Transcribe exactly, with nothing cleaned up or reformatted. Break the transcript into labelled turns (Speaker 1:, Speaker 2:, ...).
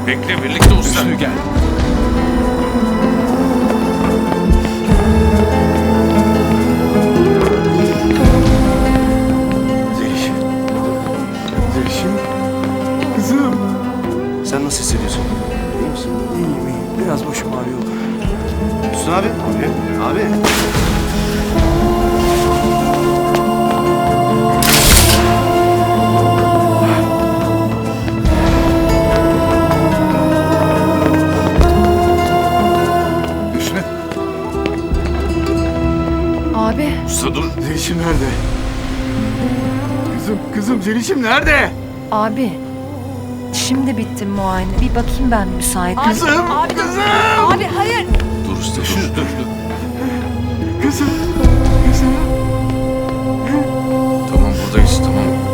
Speaker 1: Bekle birlikte usta.
Speaker 2: Hüsnü gel.
Speaker 3: Zelişim. Zelişim. Kızım.
Speaker 4: Sen nasıl hissediyorsun? İyi misin?
Speaker 3: İyiyim iyiyim. Biraz başım ağrıyor.
Speaker 4: Hüsnü abi. Abi. Abi.
Speaker 3: Hüsnü.
Speaker 5: Abi
Speaker 1: Usta dur.
Speaker 3: Zelişim nerede? Kızım, kızım Zelişim nerede?
Speaker 5: abi şimdi bitti muayene. Bir bakayım ben müsait.
Speaker 3: Kızım, kızım.
Speaker 5: Abi hayır.
Speaker 1: Dur usta dur. dur, dur.
Speaker 3: Kızım, kızım.
Speaker 1: Tamam buradayız tamam.